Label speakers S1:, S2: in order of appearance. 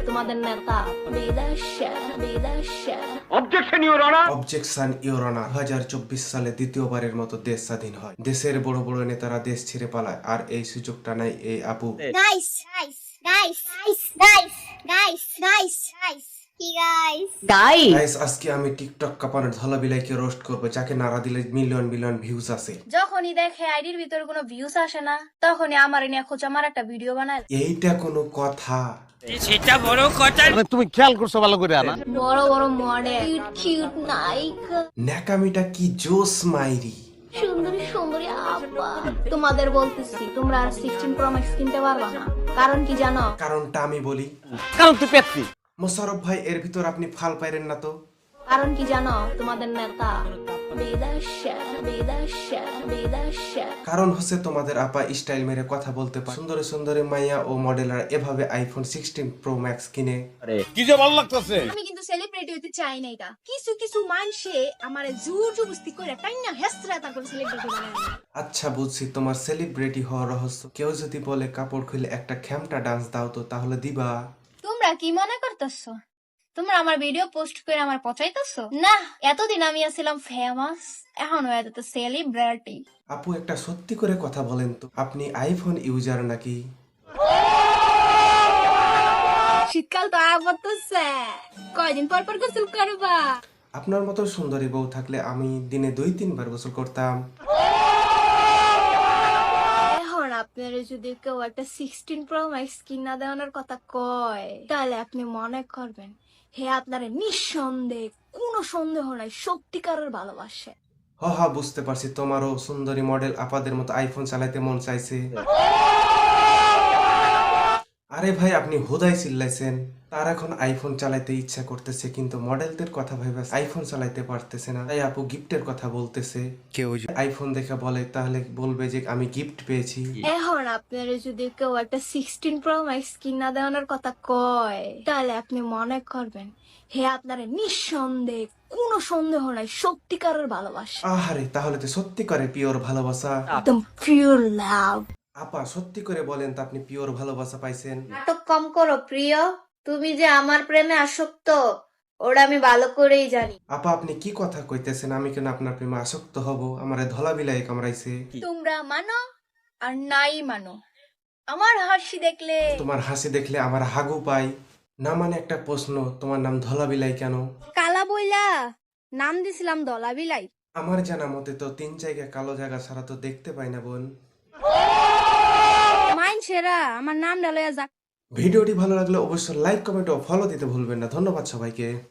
S1: তোমাদের নেতা বিদেশে বিদেশে।
S2: Objection your honour.
S3: Objection your honour. 2024 সালে দ্বিতীয়বারের মতো দেশ স্বাধীন হয়। দেশের বড় বড় নেতারা দেশ ছেড়ে পালায়, আর এই সুযোগটা নাই এই আপু।
S4: Guys, guys, guys, guys, guys, guys, guys, guys. Guys.
S3: Guys, আজকে আমি টিকটক কাপানোর ধলাবিলাইকে রোস্ট করবো, যাকে নাড়া দিলে মিলিয়ন মিলিয়ন ভিউজ আছে।
S1: যখনই দেখে আইডির ভিতরে কোনো ভিউস আসে না, তখনই আমার নিয়ে খোঁজ আমার একটা ভিডিও বানায়।
S3: এইটা কোনো কথা?
S2: সেটা বড় কথা।
S5: তুমি খেয়াল করছো ভালো করে না?
S1: বড় বড় মডেল, কিউট কিউট নায়িকা,
S3: ন্যাকামিটা কি জোস মাইরি।
S1: সুন্দরী সুন্দরী আপা। তোমাদের বলতেছি, তোমরা আর 16 প্রো ম্যাক্স কিনতে পারবা না। কারণ কি জানো?
S3: কারণটা আমি বলি।
S5: কারণ তুই পেতনি।
S3: মোশাররফ ভাই, এর ভিতর আপনি ফাল পাইরেন না তো?
S1: কারণ কি জানো? তোমাদের নেতা বিদেশে বিদেশে বিদেশে।
S3: কারণ হচ্ছে তোমাদের আপা স্টাইল মেরে কথা বলতে পারে। সুন্দরী সুন্দরী মাইয়া ও মডেলার এভাবে আইফোন 16 প্রো ম্যাক্স কিনে।
S5: কি যে ভালো লাগতেছে।
S6: আমি কিন্তু সেলিব্রিটি হতে চাই না। এটা কিছু কিছু মানুষে আমার জোর জবরদস্তি করে তাই না হেসরা তারপর সেলিব্রিটি বানায়।
S3: আচ্ছা বুঝছি তোমার সেলিব্রিটি হওয়ার রহস্য। কেউ যদি বলে কাপড় খুলে একটা খ্যামটা ডান্স দাও তো, তাহলে দিবা?
S1: তোমরা কি মনে করতেছো? তোমরা আমার ভিডিও পোস্ট করে আমার পচাইতেছো? না, এতদিন আমি ছিলাম ফেমাস, এখন হয়ে যেত সেলিব্রিটি।
S3: আপু, একটা সত্যি করে কথা বলেন তো, আপনি আইফোন ইউজার নাকি?
S6: শীতকাল তো আবতেছে, কয়দিন পর পর গোসল করবা?
S3: আপনার মতো সুন্দরী বউ থাকলে আমি দিনে 2-3 বার গোসল করতাম।
S1: এখন আপনারা যদি কেউ একটা 16 প্রো ম্যাক্স কিনা দেওয়ানোর কথা কয়, তাহলে আপনি মনে করবেন হে আপনারে নিঃসন্দেহে, কোনো সন্দেহ নাই, সত্যিকারের ভালোবাসে।
S3: হা বুঝতে পারছি, তোমারও সুন্দরী মডেল আপাদের মতো আইফোন চালাইতে মন চাইছে। আরে ভাই, আপনি হুদাই চিল্লাইছেন। তার এখন আইফোন চালাইতে ইচ্ছা করতেছে, কিন্তু মডেলদের কথা ভেবে আইফোন চালাইতে পারতেছে না। তাই আপু গিফটের কথা বলতেছে। কেউ আইফোন দেখে বলে, তাহলে বলবে যে আমি গিফট পেয়েছি।
S1: এখন আপনারা যদি কেউ একটা 16 প্রো ম্যাক্স কিনা দেওয়ানোর কথা কয়, তাহলে আপনি মনে করবেন হে আপনারে নিঃসন্দেহে, কোনো সন্দেহ নাই, সত্যিকারের ভালোবাসে।
S3: আহারে, তাহলে তো সত্যি করে পিওর ভালোবাসা।
S1: একদম পিওর লাভ।
S3: আপা, সত্যি করে বলেন তো, আপনি পিওর ভালোবাসা পাইছেন?
S1: নাটক কম করো প্রিয়, তুমি যে আমার প্রেমে আসক্ত ওটা আমি ভালো করেই জানি।
S3: আপা, আপনি কি কথা কইতেছেন? আমি কেন আপনার প্রেমে আসক্ত হব? আমারে ধলা বিলাই কামড়াইছে।
S1: তোমরা মানো আর নাই মানো, আমার হাসি দেখলে
S3: তোমার হাসি দেখলে আমার হাগু পাই না। মানে একটা প্রশ্ন, তোমার নাম ধলা বিলাই কেন?
S6: কালা বইলা নাম দিছিলাম দলা বিলাই।
S3: আমার জানা মতে তো 3 জায়গায় কালো জায়গা ছাড়া তো দেখতে পাই না বোন।
S6: মাইনছেরা আমার নাম ডালয়া যাক।
S3: ভিডিওটি ভালো লাগলে অবশ্যই লাইক, কমেন্ট ও ফলো দিতে ভুলবেন না। ধন্যবাদ সবাইকে।